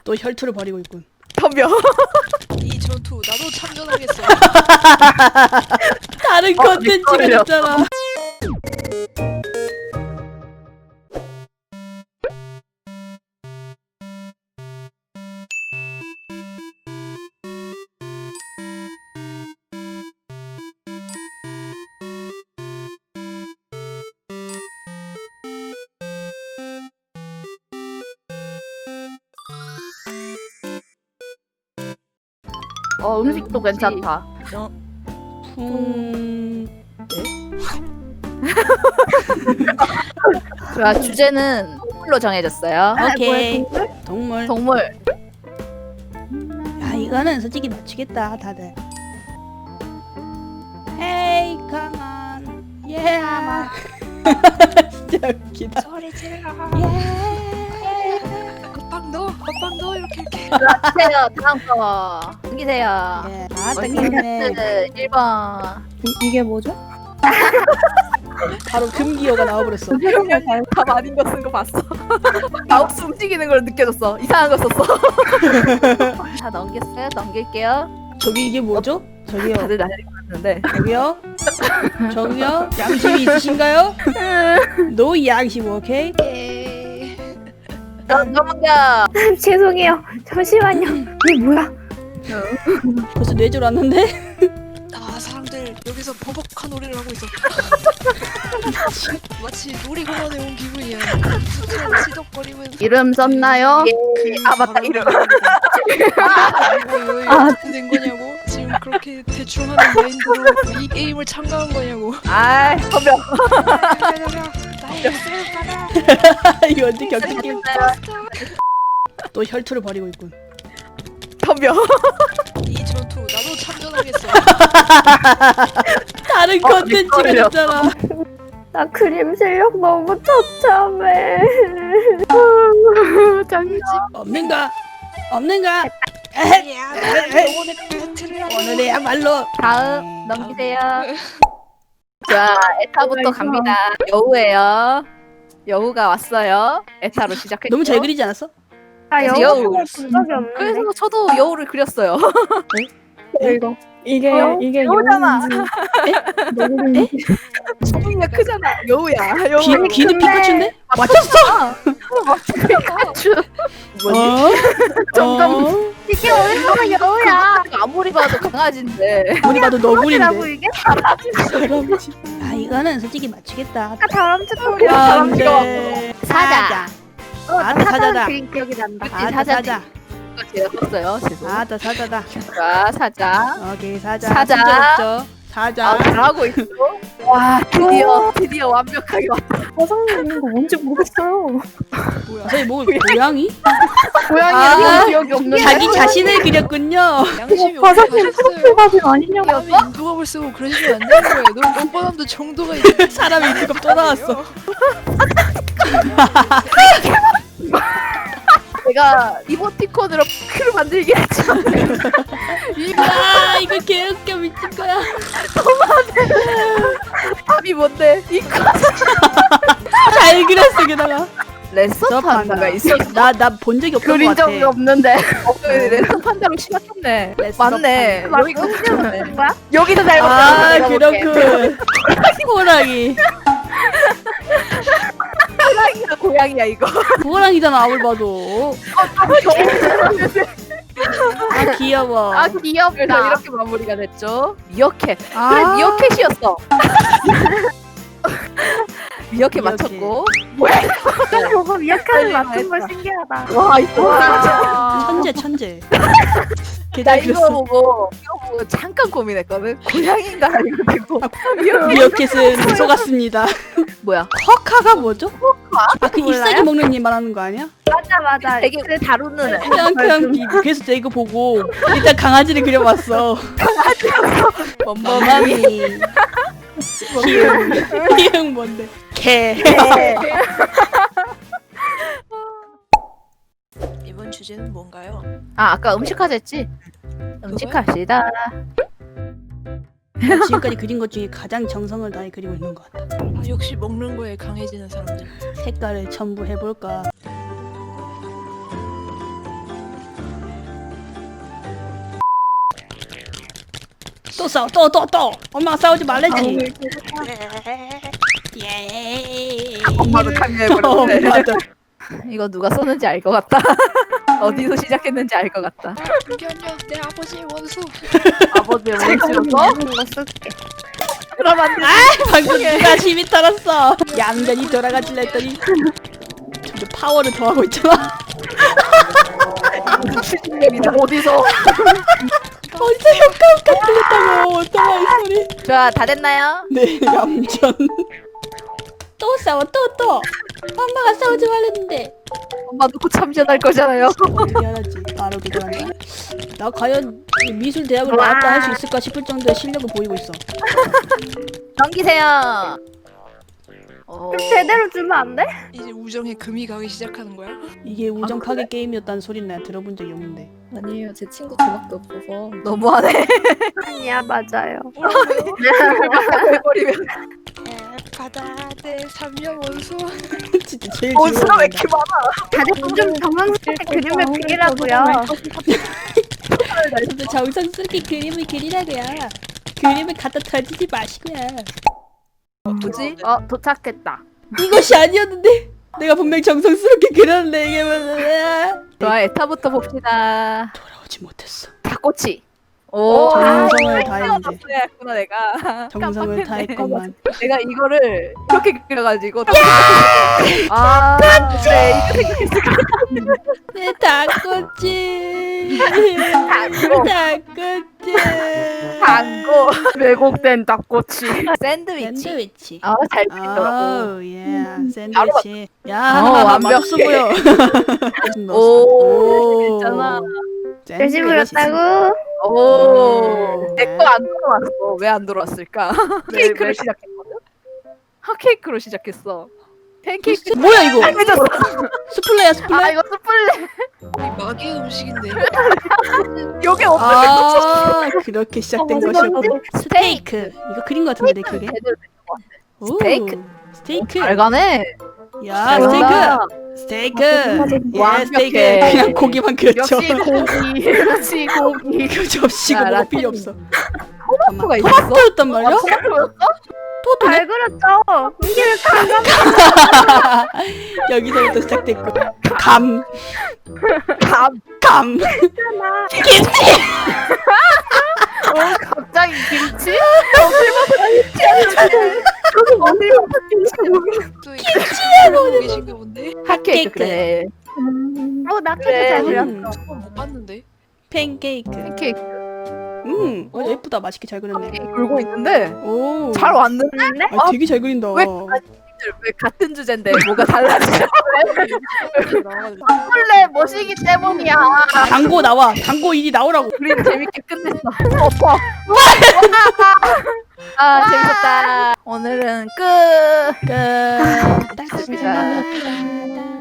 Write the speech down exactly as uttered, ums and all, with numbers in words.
또 혈투를 벌이고 있군. 덤벼. 이 전투 나도 참전하겠어. 다른 어, 컨텐츠가 헷갈려. 있잖아. 어 음식도 괜찮다. 풍... 자 주제는 동물로 정해졌어요. 오케이. 동물. 동물. 야 이거는 솔직히 맞추겠다 다들. 헤이 가만. 예. 진짜 웃기다. 소리 질러. 예. 엇박 넣어. 엇박 넣어 이렇게 이렇게. 주세요. 다음 거. 넘기세요. 예. 아따 기네. 일 번. 이, 이게 뭐죠? 바로 금기어가 나와버렸어. 답 아닌 거 쓴 거 봤어. 마우스 움직이는 걸 느껴졌어. 이상한 거 썼어. 다 넘겼어요? 넘길게요. 저기 이게 뭐죠? 저기요. 다들 난리가 났는데. 저기요. 저기요. 양심이 있으신가요? 노 양심 오케이. 예. 넘- 넘겨. 죄송해요. 잠시만요. 이게 뭐야? 벌써 뇌절 왔는데? 아 사람들 여기서 버벅한 놀이를 하고 있어. 마치 놀이공원에 온 기분이야. 수트랑 치덕거리면. 이름 썼나요? 아 맞다 이름. 아, 어떻게 된 거냐고? 지금 그렇게 대충 하는 마인드로 이 게임을 참가한 거냐고? 아이 덤벼. 이거 완전 격투 게임. 또 혈투를 벌이고 있군. 덤벼. 이 전투 나도 참전하겠어. 다른 어, 컨텐츠가 헷갈려. 있잖아. 나 그림 실력 너무 처참해. 장지. 없는가? 없는가? 야, 나 영혼의 배틀을 하고. 오늘이야말로. 다음 넘기세요. 자 에타부터 갑니다. 여우예요. 여우가 왔어요. 에타로 시작했죠. 너무 잘 그리지 않았어? 나 여우. 영어 본 적이 없는데. 그래서 저도 여우를 그렸어요. 이거 이게 어? 이게 여우잖아. 여우인지 소리가 크잖아. 여우야. 여우. 귀, 귀는 피카츄인데? 맞췄어! 피카츄. 뭐지? 어? 점점- 어? 이게 얼마나 여우야? 아무리 봐도 강아지인데. 아무리 봐도 너구리인데. 이게? 사람이지. 아 이거는 솔직히 맞추겠다. 아까 다람쥐 소리. 안돼. 사자. 어, 아, 나 사자다. 사자 그림 기억이 난다. 그치, 아따 사자지. 사자. 이거 제가 썼어요. 죄송. 아따 사자다. 자 사자. 오케이 사자. 사자. 친절했죠? 사자. 아, 잘하고 있어. 와 드디어 드디어 완벽하게 왔다. 화성님 이거 뭔지 모르겠어요. 저희 뭐 고양이? 고양이는 아, 기억이 없는데. 자기 자신을 그렸군요. 양심이 화성님 없으셨어요. 프로필 아니냐고. 사람이 인두갑을 쓰고 그러시면 안 되는 거예요. 너무 오빠남도 정도가 있는 사람이 인두갑 또 나왔어. 제가 이모티콘으로 크를 만들기 했죠. 아 이거 개웃겨 미친 거야. 답이 뭔데? 이거 잘 그렸어 게다가. 레서 판다가 있어. 나나 본 적이 없던 것 그린 같아. 적이 없는데. 레서 판다로 심각했네. 레서 맞네. 맞- 여기가 틀렸네. 뭐야? 여기도 잘못했어. 아 내가 볼게. 그렇군. 호랑이. 호랑이야 고양이야 이거. 호랑이잖아 아무리 봐도. 아 귀여워. 아 귀엽다. 이렇게 마무리가 됐죠. 미어캣. 아. 그래 미어캣이었어. 미어캣 미어캣. 맞췄고. 저거 미약하는 네, 맞춘 거 했다. 신기하다. 와 이거 천재 천재. 나 개잘 이거 그렸어. 보고 이거 보고 잠깐 고민했거든. 고양인가 이거 되고 미어캣은 속았습니다. 뭐야? 쿼카가 뭐죠? 아 그 몰라요? 잎사귀 먹는 님 말하는 거 아니야? 맞아 맞아. 되게 그래 다루는 애. 그냥 그냥 이- 그래서 제가 이거 보고 일단 강아지를 그려봤어. 멈멈이. 머마미. 기흥. 기흥 뭔데? 개. 이번 주제는 뭔가요? 아 아까 음식 하자 했지? 음식 합시다. 지금까지 그린 것 중에 가장 정성을 다해 그리고 있는 것 같다. 아, 역시 먹는 거에 강해지는 사람들. 색깔을 첨부해볼까? 또 싸워 또 또 또 엄마가 싸우지 말랬지. 예. 엄마도 어, 참여해버렸네. 맞아. 이거 누가 썼는지 알 것 같다. 어디서 시작했는지 알 것 같다. 잠깐요, 내 아버지의 원수. 아버지의 원수였어? 이거 쓸게. 그럼 안 돼. 방금 누가 시비 털었어. 얌전히 돌아가질라 했더니 근데 파워를 더하고 있잖아. 추진력이다. 어디서? 어디서 효과음까 들렸다고. 오토바이 소리. 좋아, 다 됐나요? 네, 얌전. 또 싸워 또 또. 엄마가 싸우지 말랬는데. 엄마도 곧 참전할 거잖아요. 어떻게 알았지? 바로 그거란다. 나 과연 이 미술 대학을 나왔다 할 수 있을까 싶을 정도의 실력을 보이고 있어. 넘기세요. 어... 좀 제대로 주면 안 돼? 이제 우정의 금이 가기 시작하는 거야. 이게 우정 아, 파괴 게임이었다는 소리는 내가 들어본 적이 없는데. 아니에요. 제 친구 저밖에 없어서. 너무하네. 아니야 맞아요. 해버리면 바다 내 삼녀 원수. 진짜 제일 원수가 왜 좋아한다. 이렇게 많아? 다들 좀 정성스럽게 그림을 그리라고요. 진짜 정성스럽게 그림을 그리라고요. 그림을 갖다 던지지 마시고요. 뭐지? 어, 도착했다. 이것이 아니었는데 내가 분명 정성스럽게 그렸는데 이게 뭐야. 좋아, 에타부터 봅시다. 돌아오지 못했어. 닭꼬치. 오, 정성을 다했는데. 했구나 내가. 정성을 깜빡했네. 다했건만. 내가 이거를 이렇게 그려가지고. 아, 그래 이거 생각했어. 내 닭꼬치. 당고. 닭꼬치. 당고. 왜곡된 닭꼬치. 샌드위치. 샌드위치. 아, 잘 그리더라고. 오, 예. 샌드위치. 야, 어, 완벽해. 맛없어 보여. 오, 괜찮아. 열심히 그렸다고? 오, 내 거 안 들어왔어. 왜 안 들어왔을까? 케이크로 시작했거든. 핫케이크로 시작했어. 팬케이크. 뭐야 이거? 해줬어. 스플레야 스플레? 아, 이거 스플레. 이 마귀의 음식인데. 요게 없어. 아, 그렇게 시작된 어, 것이었고. 스테이크. 스테이크. 이거 그린 것 같은데 내 기억에. 제대로 오, 스테이크. 스테이크. 잘 가네. 야, 잘한다. 스테이크. 스테이크. 예, 완벽해. 스테이크. 그냥 고기만 그렸죠. 역시 고기. 역시 고기. 그 접시고 야, 뭐가 라떼. 필요 없어. 토마토가 있었어? 토마토였단 말이야? 토마토였어? 토마토네? 잘 그렸죠. 이게 감각. 여기서부터 시작됐고. 감. 감. 감. 어, 갑자기 김치? 또 김치야 보고 계신가 본데. 핫케이크. 그래. 어 나도 그래. 잘 그렸어. 음, 어, 못 봤는데. 팬케이크. 팬케이크. 음, 어, 예쁘다. 맛있게 잘 그렸네. 돌고 있는데 오. 잘 왔는데? 아, 되게 잘 그린다. 왜? 왜 같은 주제인데 뭐가 달라져? 원래 멋이기 때문이야. 광고 나와. 광고 일이 나오라고. 그림 재밌게 끝냈어. 엎어. 아 재밌었다. 오늘은 끝. 끝. 좋습니다.